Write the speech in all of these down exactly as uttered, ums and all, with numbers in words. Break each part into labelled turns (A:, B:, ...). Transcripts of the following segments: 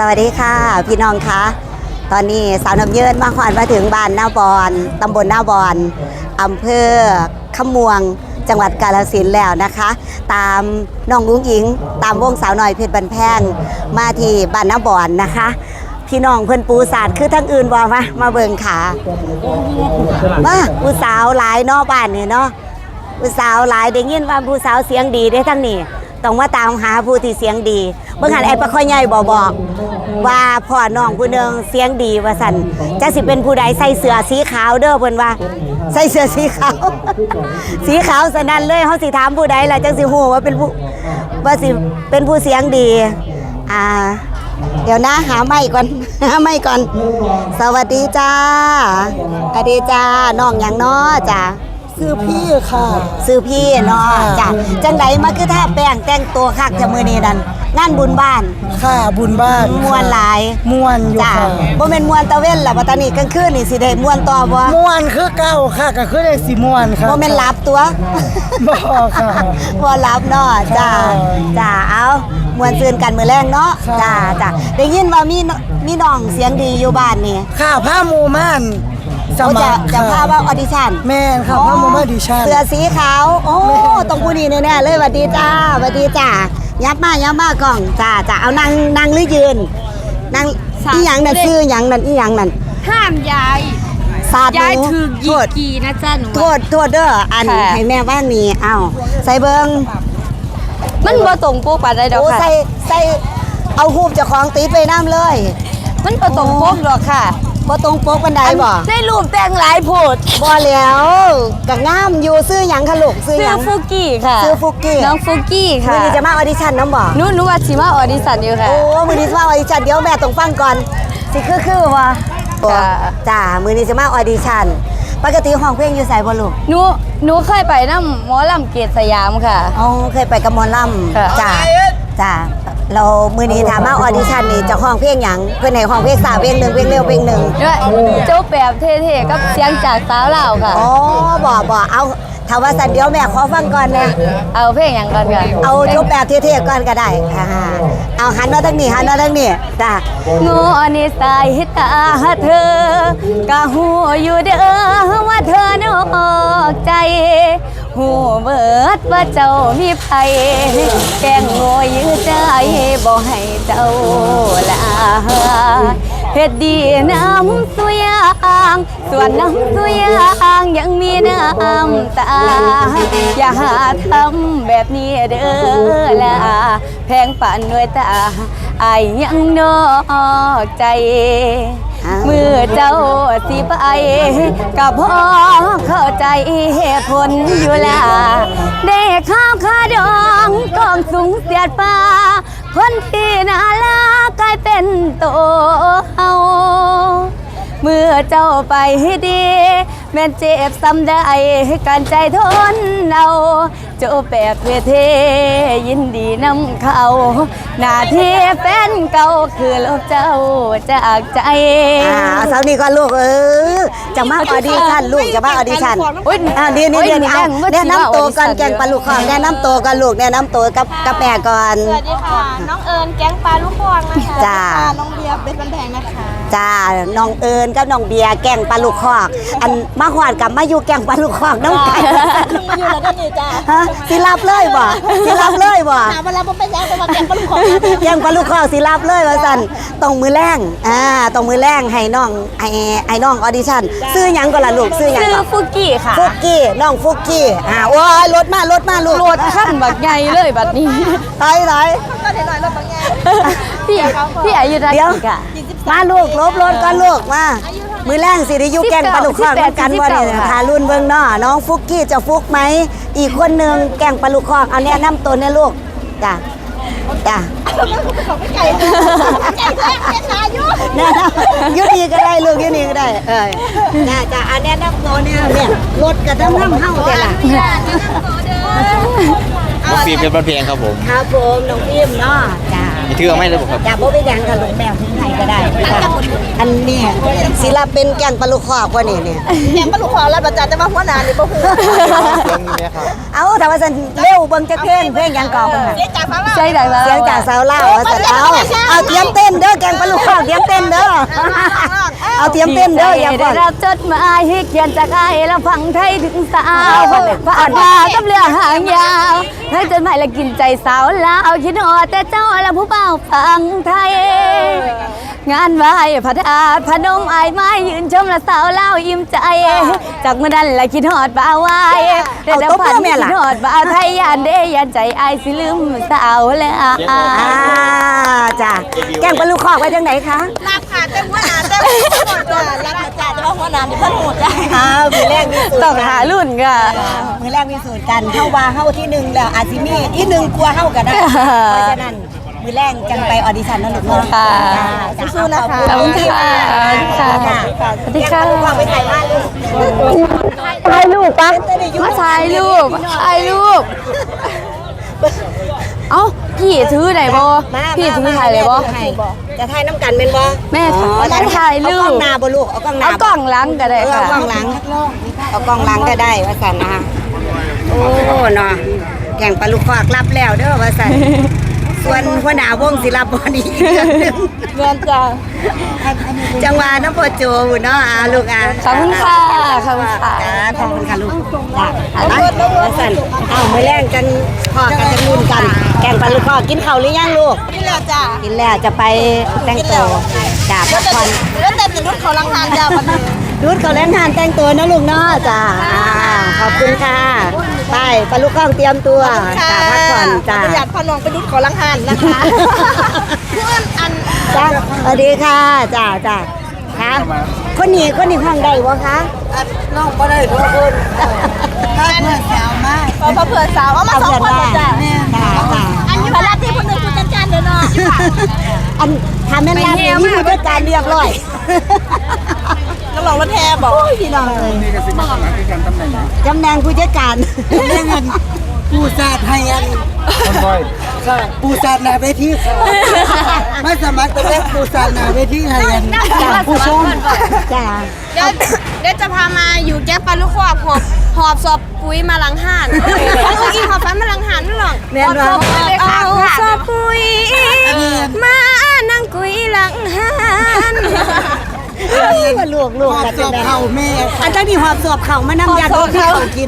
A: วัสดีค่ะพี่น้องคะตอนนี้สาวน้ำเยินมาขวัญมาถึงบ้านหน้าบอนตำบลหน้าบอนอำเภอขมวงจังหวัดกาฬสินธุ์แล้วนะคะ ตามน้องลุงหญิงตามวงสาวหน่อยเพชรบันแพงมาที่บ้านหน้าบอนนะคะพี่น้องเพิ่นปูศาสตร์คือทั้งอื่นบอกมามาเบิ่งขามาผู้สาวหลายเนาะบ้านนี่เนาะผู้สาวหลายได้ยินว่าผู้สาวเสียงดีได้ทั้งนี้ต้องมาตามหาผู้ที่เสียงดีเมื่อหันไอ้ปะค่อยใหญ่บอกบอกว่าพ่อน้องผู้หนึ่งเสียงดีว่าสันจะสิเป็นผู้ใดใส่เสื้อสีขาวเด้อเพิ่นว่าใส่เสื้อสีขาว สีขาวสนั่นเลยเขาสิถามผู้ใดล่ะจังสิฮู้ว่าเป็นผู้ว่าสิเป็นผู้เสียงดีอ่าเดี๋ยวนะหาไม้ก่อน หาไม้ก่อนสวัสดีจ้าสวัสดีจ้าน้องหยังน้อจ้า
B: ซื้อพี่ค่ะ
A: ซื้อพี่เนาะจ้ะจังไดมาคือถ้าแป้งแต่งตัวคักจะมือนี้นั่นงานบุญบ้าน
B: ค่ะบุญบ้าน
A: มวนหลาย
B: มวนอยู่
A: จ้ะ
B: ค่ะ
A: บ่แม่นมวนตะเว้นล่ะบัดตานี้กลางคืนนี่สิได้มวนต่อบ่
B: มวนคือเก่าค่ะก็คือได้สิมวนค่ะ
A: บ่แม่นหลับตัว
B: บ่ค่ะ
A: บ่หลับเนาะจ้ะจ้ะเอามวนซื่นกันมื้อแรงเนาะจ้ะจ้ะได้ยินว่ามีมีน้องเสียงดีอยู่บ้านนี่
B: ค่ะผ้าหมู่ม่าน
A: จะจะพาว่าออดิชั่น
B: แม่ค่ะผ้าหมู่ม่านออดิชั่น
A: เสื้อสีขาวโอ้ต้องผู้นี้แน่ๆเลยสวัสดีจ้าสวัสดีจ้ายับมายับมากล่องจ้าจ้าเอานั่งนั่งหรือยืนนั่งอีหยังนั่นซื้อหยังนั่นอีหยังนั่น
C: ห้ามยาย
A: สาด
C: ยายถือยีกีนะจ้าหนู
A: โทษโทษเด้ออันให้แม่ว่านี่เอ้าใส่เบิ้ง
C: มันบ่ตรงปกปานใดดอกค่ะ
A: ใส่ใส่เอาหูบเจ้าของติดไปน้ำเลย
C: มันบ่ตรงปกดอกค่ะ
A: บ่ตรงปกปานใดบ่
C: ได้รูปแต่งหลายโพด
A: บ่แล้วก็งามอยู่ซื้อหยังคะลูกซื้อหยัง
C: ฟุกี้ค่ะ
A: ซื้อฟุกี้
C: น้องฟุกี้ค่ะ
A: มื้อนี้จะมาออดิชั่นน้ำบ่
C: หนูหนูว่าสิมาออดิชั่นอยู่ค่ะ
A: โอ้มื้อนี้จะมาออดิชั่นเดี๋ยวแม่ต้องฟังก่อนสิคือคือว่าจ้าจ้ามื้อนี้จะมาออดิชั่นปกติห้องเพลงอยู่ไสบ่ลูก
C: หนูหนูเคยไปนำหมอลำเกตสยามค่ะ
A: อ๋อเคยไปกับหมอลำจ้าจ้าเรามื้อนี้ถามมาออดิชั่นนี่จะห้องเพลงหยังเพิ่นให้ห้องเพลงสาวเพลงนึงเพลงเร็วเพลงนึง
C: เจ้าแบบเท่ๆกับเสียงจากสาวลาวค่ะ
A: อ๋อบ่บ่เอาถ้าว่าสันเดียวแม่ขอฟังก่อนนะ
C: เอาเพลงหยังก่อนค่ะ
A: เอาจบแบบเท่ๆก่อนก็ได้อ่าเอาหันมาทางนี้หันมาทางนี้จ้า
C: โง่นิสัยตาเธอกะหูอยู่เด้อว่าเธอนอกใจหูเบิดว่าเจ้ามีไผแกงโง่ยื้อใจบ่ให้เจ้าลาเฮ็ดดีน้ำสุยางส่วนน้ำสุยางยังมีน้ำตาอย่าหาทำแบบนี้เด้อล่ะแพงป่านด้วยตาอายยังนอกใจเมื่อเจ้าสิไปก็พอเข้าใจเหตุผลอยู่ล่ะได้ข้าวขาดองกองสูงเสียดฟ้าคนที่น่ารักกลายเป็นโตเฮาเมื่อเจ้าไปให้ดีแม่นเจ็บซ้ำได้การใจทนเอาเจ้าแบบเวทยินดีนำเขาหน้าที่แฟนเก่าคือลบเจ้าจากใจ
A: อ่าสาวนี้ก็ลูกเออจะมาออดิชั่นลูกจะมาออดิชั่นอ่าดีนี่เดี๋ยวเอาแนะนำตัวกันแกงปลาลูกคองแนะนำตัวกันลูกแนะนำตัวกับกับแม่ก่อน
D: สวัสดีค่ะน้องเอิญแก๊งปลาลูกคองนะคะ
A: จ้า
D: น้องเบียร์เป็นบันแพงนะคะ
A: จ้าน้องเอิญกับน้องเบียร์แกงปลาลูกคอกอันมาหวานกับมาอยู่แกงปลาลูกคอกน้องไก่
D: มาอยู่แล้วก็นี่จ้า
A: ฮะสิรับเลยบ่สิรับเลยบ่
D: ถามเวลาผมไปแจ้งไปมาแก๊งปลาลูกคอง
A: แกงปลาลูกคอกสิรับเลยว่าสั่นตรงมือแรงอ่าตรงมือแรงให้น้องไอ้ไอ้น้องออดิชั่นซื้อหยังก่อนล่ะลูกซื้อหยังก่อน
C: ฟุกี้ค่ะ
A: ฟุกี้น้องฟุกี้อ่าโอ้ยรถมารถมาลูก
C: รถขั้นบักใหญ่เลยบัดนี้
A: ไปไหน
D: ก็เห็นหน่อยรถบางแง่
C: พี่พี่อายุเท่าไหร่ค่ะ
A: มาลูกลบรถก่อนลูกมามือแรงสิได้อยู่แกงปลาลูกคอกกันบ่นี่ทารุ่นเบิ่งเนาะน้องฟุกี้จะฟุกไหมอีกคนนึงแกงปลาลูกคอกเอาแนะนำตัวเนี่ยลูกจ้ะจ้ะ
D: ไก่ไก่แท้เป็นนายุ
A: เนี่ยยุนี่ก็ได้ลูกยุนี่ก็ได้เออจ้ะจ้ะอันแนะนำตัวเนี่ยเนี่ยรถกระทำน้ำเฮาแต่ละ
E: น้องฟิล์มเป็นบันเพลงครับผม
A: ครับผมน้องฟิล์มเนาะจ้ะ
E: มีถือเอาไหมเลยบอกครับ
A: อย่าบ่ไปหยังกับลูกแมวที่ไหนก็ได้อันนี้ศิลปินแก่งปลาลูกคอกว่านี่เนี่ย
D: แกงปลาลูกคอรับประจานจะมาหัวหน้านี่บ่ฮู้
A: เอาแต่ว่าสันเร็วเบิ่งจะเพลงเพลงหยังก่อนเบิ่งน่ะ
D: เสียจากฟังแล้ว
C: ใช่ดังแล้ว
A: เสียงจากสาวลาวว่าสันเอาเอาเตรียมเต้นเด้อแก่งปลาลูกคอกเตรียมเต้นเด้อเอาเตรียมเต้นเด้ออย่า
C: ได้
A: ก่อน
C: รับจดหมายให้เขียนจากไอ้แล้วฟังไทยถึงสาวผ่านมากับเรือหางยาวให้จดหมายและกินใจสาวลาวคิดฮอดแต่เจ้าและผู้เบาฟังไทย งานไหว้พระธาตุพนมอายไม้ยืนชมและสาวเล่าวอิ่มใจ จากเมื่อนั้นและคิดฮอดบ่าวไว้แต่แต่พันคิดฮอดบ่าวไทยยานเด้ยานใจอายสิลืมสาวแล้ว
A: อ่าจ้ะแก่งปลาลูกคอกไว้จังไหนคะ
D: รับค่ะแต่หัวหน้าแต่หัวหน้ารับประจานจะมาหัวหน้านี่เพิ่นฮู้ได้
A: อ้าวมือแรกมีสูตร
C: ต้องหารุ่นค่ะ
A: มือแรกมีสูตรกันเข้าว่าเข้าที่หนึ่งแล้วอาจสิมีที่หนึ่งกลัวเข้ากันได้เพราะฉะนั้นมือแรกจังไปออดิชั่นนั่นหรือเปล่า
C: ค่ะ
A: สู้ๆนะคะ
C: ขอบคุณค่ะค่ะสวัสดีค่ะ
A: ไปถ่ายบ้านลูก
C: ถ่ายรูปปะมาถ่ายรูปถ่ายรูป เอ้าพี่ถือไหนบอพี่ถือถ่ายเลยบอ
A: จะถ่ายน้ำกันเป็นบอ
C: แม่ถ่ายรูป
A: เอากล้องหน้าบ่ลูกเอากล้องหน้า
C: เอากล้องหลังก็ได้
A: เออ
C: ค่ะ
A: เอากล้องหลังเอากล้องหลังก็ได้ว่าสันนะคะโอ้เนาะแข่งปลาลูกคอกรับแล้วเด้อว่าสันส่วนหัวหน้าวงศิลปะนี่อีกเรื่องหนึง
C: เงินจ้า
A: จังหวะน้ำโพโจบุเนาะอ่าลูกอ่ะ
C: ขอบคุณค่ะขอบคุณค่ะ
A: จ้าขอบคุณค่ะลูกจ้าอะไรว่าสันเอามือแรงกันพอกันจะนุ่นกัน แข่งปลาลูกคอกกินข้าวหรือยังลูก
D: นี่แหละจ้ะ
A: กินแล้วจะไปแต่งตัวจ้าพักผ่อน
D: แล้วแต่เป็นรุ่นเขาลังหานจ้ะบัดนี้
A: รุดเขาแรงงานแต่งตัวนะลูกเนาะจ้าอ่าขอบคุณค่ะไปปลาลูกข้องเตรียมตัวจ้าพักผ่อนจ้า
D: ประหยัดพอน้องไปรุ่นเขาลังหานนะคะเพื่อนอัน
A: จ้าสวัสดีค่ะจ้าจ้าค่ะคนนี้คนนี้ห้องได้วะคะ
B: น้องบ่ได้ทุกคนถ้าเพื่อนสาวมาก
D: พอพอเผื่อสาวเอามาสองคนเลยจ้ะ
A: จ้าจ้า
D: อันนี้พลัดที่คนหนึ่งคุณจันจันเดี๋ยวเนาะ
A: อันทำแม่นร้านนี้มีผู้จัดการเรียบร้อย
D: น้องลองรถแทบบอก
A: โอ้ยพี่น้องเลยตำแหน่งผู้จัดการ
B: เรื่องเงินปูซาดให้อันค่ะปูซาดหน้าเวทีค่ะไม่สมัครแต่แรกปูซาดหน้าเวทีให้กันจ้าผู้ชม
A: จ้า
D: เดี๋ยวเดี๋ยวจะพามาอยู่แก๊ปปลาลูกคอกหอบหอบสอบปุ๋ยมาหลังห่านเอาอีกหอบฟันมาหลังห่านนั่นหรอก
A: แม่นว่า
D: เอาสอบปุ๋ยมานั่งกุยหลังห่าน
A: ลวกลวก
B: ขอบ
A: กัน
B: ส
A: จะ
B: อบ
A: ได้
B: เข่าแม่
A: อันตั้งที่หอบสอบเข่ามาน้ำยาที่เขากิน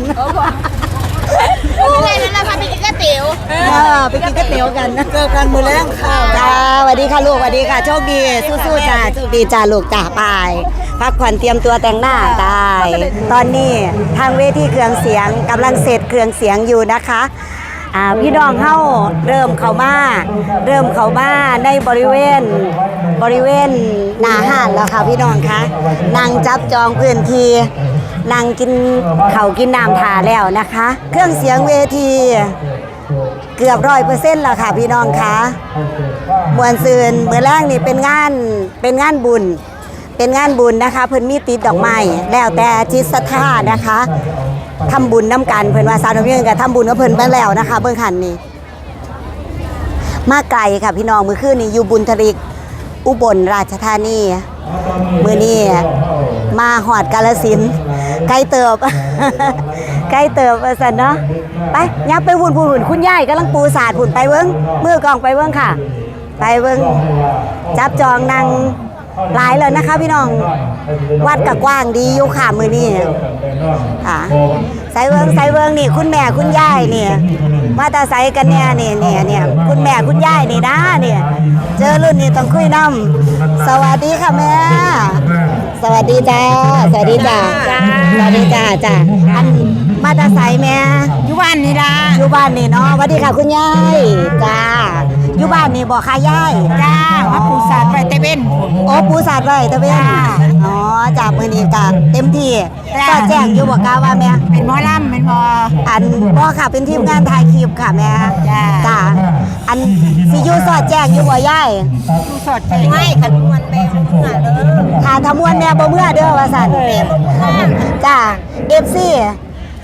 D: อะไรนั่นแหละพาไปกินก๋วยเตี๋ยว
A: เออไปกินก๋วยเตี๋ยวกันนะ
B: เจอกันมือแรงค่ะ
A: จ้าสวัสดีค่ะลูกสวัสดีค่ะโชคดีสู้ๆจ้าโชคดีจ้าลูกจ้าไปพักผ่อนเตรียมตัวแต่งหน้าได้ตอนนี้ทางเวทีเครื่องเสียงกำลังเสร็จเครื่องเสียงอยู่นะคะอ่าพี่น้องเข้าเริ่มเข้ามาเริ่มเข้ามาในบริเวณบริเวณหน้าห้านแล้วค่ะพี่น้องคะนั่งจับจองพื้นที่นั่งกินข้าวกินน้ำทาแล้วนะคะ เครื่องเสียงเวที เกือบร้อยเปอร์เซ็นต์แล้วค่ะพี่น้องคะมวลซืนเมื่อแรกนี่เป็นงานเป็นงานบุญ เป็นงานบุญนะคะ เพิ่นมีติดดอกไม้แล้วแต่จิตศรัทธานะคะทำบุญน้ำกันเพิ่นว่าสาวน้ำเยื่อกับทำบุญกับเพิ่นไปแล้วนะคะเบื้องขันนี้มาไกลค่ะพี่น้องมือคืนนี้อยู่บุญทริกอุบลราชธานีมือนี้มาหอดกาฬสินธุ์ไกลเติบ ไกลเติบว่าซั่นเนาะไปยับไปหุ่นหุ่นคุณยายกำลังปูสาดหุ่นไปเบิ้งมือกองไปเบิ้งค่ะ ไปเบิ้งจับจองนางหลายเลยนะคะพี่น้องวัดกับกว้างดีอยู่ค่ะมือนี้ค่ะใส่เบิ้งใส่เบิ้งนี่คุณแม่คุณยายนี่มาตาใส่กันเนี่ยนี่เนี่ยเนี่ยคุณแม่คุณยายนี่นะเนี่ยเจอรุ่นนี้ต้องคุยน้ำสวัสดีค่ะแม่สวัสดีจ้าสวัสดีจ้าสวัสดีจ้าจ้าอันมาตาใส่แม่อยู่บ้านนี่ละอยู่บ้านนี่เนาะสวัสดีค่ะคุณยายจ้าอยู่บ้านนี่บอกค่ะยายจ้าว่าปูสาดไว้ตะเวนโอ้ปูสาดไว้ตะเวนอ๋อจากมือนี้กะเต็มที่ก็แจ้งอยู่บอกกาว่าแม่เป็นหมอลำเป็นหมออันพ่อค่ะเป็นทีมงานถ่ายคลิปค่ะแม่จ้าอันสิอยู่สอดแจ้งอยู่บ่ยายอยู่สอดแจ้งไม่ขันมวนแม่เมื่อเด้อค่ะทำมวนแม่บ่เมื่อเด้อว่าซั่นจ้า เอฟ ซี
D: ค่ะ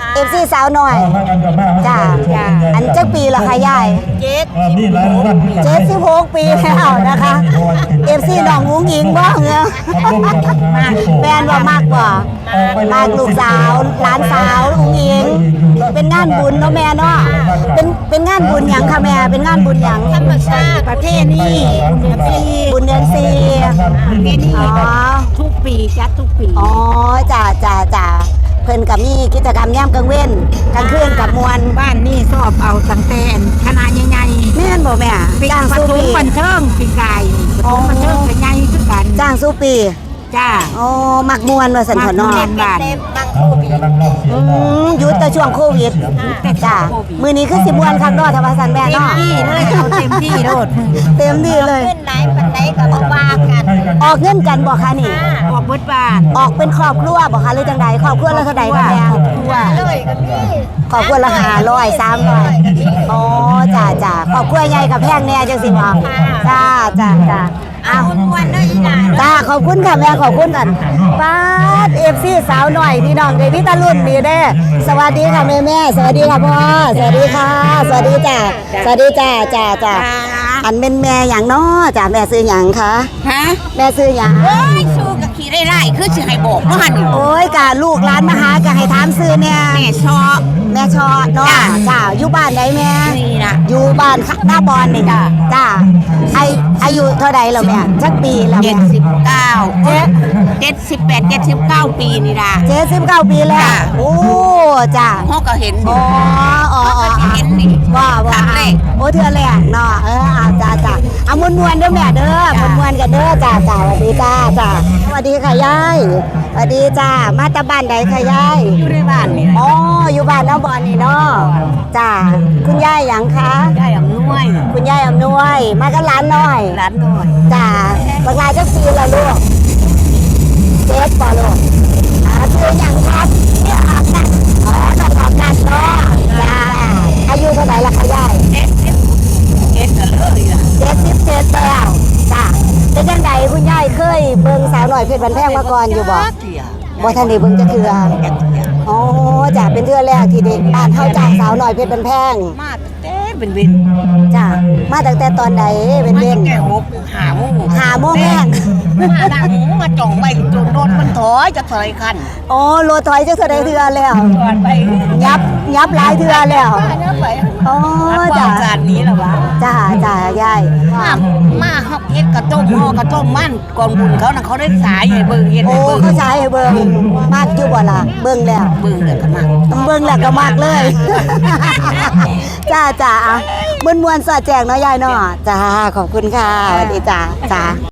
A: เอฟซีสาวหน่อยจ้าอันจักปีละคะยาย
D: เจ็ด
A: เจ็ดสิบหกปีแล้วนะคะเอฟซีน้องอุ้งอิงบ้างเนี่ยแฟนว่ามากกว่ามากลูกสาวหลานสาวอุ้งอิงเป็นงานบุญเนาะแม่เนาะเป็นเป็นงานบุญหยังค่ะแม่เป็นงานบุญหยัง
D: ธรรมชาติประเทศนี้
A: บุญเดือนสี่
D: ประเทศนี้
A: อ๋อ
D: ทุกปีจัดทุกปี
A: อ๋อจ้าจ้าจ้าเพิ่นกับมีกิจกรรมย่ำกลางเว้นกลางคืนกับมวล
E: บ้านนี่สอบเอาตั้งแต่คณะใหญ่
A: แม่นบ่แม่
E: ๆ
A: จ้าง
E: ป
A: สู้
E: ฐม
A: ปี
E: บันเทิงปีกายปฐมบันเทิงเป็นใหญ่ขึ้นกัน
A: จ้างสู้ปี
E: จ้า
A: อ๋อมักมวนว่าสันพอนอ
E: มักม่วน บ้าน
D: เต็มบางโควิด
A: อืมหยุดแต่ช่วงโควิดจ้ามือนี้คือสิมวนคักเนาะทว่าสันแม่เนาะ
E: ที่เลยเอาเต็มที่โลด
A: เต็มที่เลย
D: ขึ้นไหนปันไหนก็มาว่ากัน
A: ออกเงินกันบ่คะนี่
E: ออกเบิดบ้าน
A: ออกเป็นครอบครัวบ่คะหรือจังใดครอบครัวละเท่าใดคะแม่
D: เลยก็มี
A: ครอบครัวละห้าร้อยสามร้อยอ๋อจ้าจ้าครอบครัวใหญ่กับแพงแน่จังสิบ่จ้าจ้าจ้าอ้าว
D: มวนเลยอีหลาน
A: จ้าขอบคุณค่ะแม่ขอบคุณกันป้าเอฟซีสาวหน่อยพี่น้องเดพี่ตารุ่นดีเด้สวัสดีค่ะแม่แม่สวัสดีค่ะพ่อสวัสดีค่ะ สวัสดีจ้าสวัสดีจ้าจ้าจ้าอันเป็นแม่อย่างน้อจ้าแม่ซื้อหยังคะ
E: ฮะ
A: แม่ซื้อหยัง
E: โอ้ยสู้กับขี่ได้ไล่คือสิให้บอกว่าหัน
A: โอ้ยกะลูกร้านมาหากะให้ถามซื้อเนี่ย
E: แม่ชอบ
A: แม่ชอเนาะจ้าอยู่บ้านไหนแม่
E: นี่นะ
A: อยู่บ้านหน้าบอลนี่จ้าจ้าไออายุเท่าใดแล้วแม่จักปีแล้ว
E: เจ็
A: แม่
E: ดสิบเก้าเจ็ดเจ็ดสิบแปดเจ็ดสิบเก้าปีนี่ล่ะ
A: เจ็ดสิบเก้าปีแล้ว
E: จ้ะ
A: โอ้จ้า
E: พ่อก็เห็นอ
A: อ๋
E: ยู่
A: ออ๋ออ๋อ
E: เห็นนี่
A: ว่าว่า
E: ครั้งแรก
A: โอ้เทือแรกเนาะเอออ่าจ้าจ้าเอามวนมวนๆเด้อแม่เด้อมวนมวนๆกันเด้อจ้าจ้าสวัสดีจ้าจ้าสวัสดีค่ะยายสวัสดีจ้ามาตาบ้านใดค่ะยาย
E: อยู่ในบ้านนี่
A: อ๋ออยู่บ้านน้าบอนนี่เนาะจ้าคุณยายหยังคะ
E: ได้อำนวย
A: คุณยายอำนวย มากับหลานน้อย
E: ร้านน้อย
A: จ้าบักลาจักปีละลูกเจ็ดป่ะลูกอ่าชื่อหยังครับชื่อออกกันอ๋อน้องออกกันเนาะจ้าอายุเท่าไหร่ละคะยาย
E: เอ็ดเอ็ดเอ็ดกันเลยล่ะ
A: เจ็ดสิบเจ็ดแล้วจ้าเป็นจังใดคุณยายเคยเบิ่งสาวหน่อยเพชรบันแพงมาก่อนอยู่บ่
E: เสีย
A: บ่ทันได้เบิ่งจะเทื่ออ๋อจ้าเป็นเทื่อแรกที่ได้บ้านเฮาจ้างสาวหน่อยเพชรบันแพง
E: มาตั้งแต่เป็นเวิน
A: จ้ามาตั้งแต่ตอนใดเป็น
E: มา
A: เว้
E: ตั้
A: น
E: งแต่หกหาโมง
A: หาโมงแรก
E: มาดังมาจ่องไปจนรถมันถอยจะถอยคัน
A: โอ้โลถอยจะเท่าใดเทื่อแล้ว
E: จอดไป
A: ยับยับหลายเทื่อแล้ว
E: เนื้อไป
A: อ๋อ
E: จ้า
A: จ้า
E: การนี้ล่ะวะ
A: จ้าจ้ายาย
E: มามาฮับเฮ็ดกระต้มห่อกระต้มมันกองบุญเขาน่ะเขาได้สายให้เบิ่งเฮ็ด
A: โอ้
E: ให้เบิ่ง
A: เขาใช้ให้เบิ่งมากอยู่บ่ล่ะเบิ่งแล้ว
E: เบิ่งเลยก็มา
A: เบิ่งแล้วก็มากเลย จ้าจ้าอ่ะมวนๆสอดแจงเนาะยายเนาะจ้าขอบคุณค่ะสวัสดีจ้าจ้า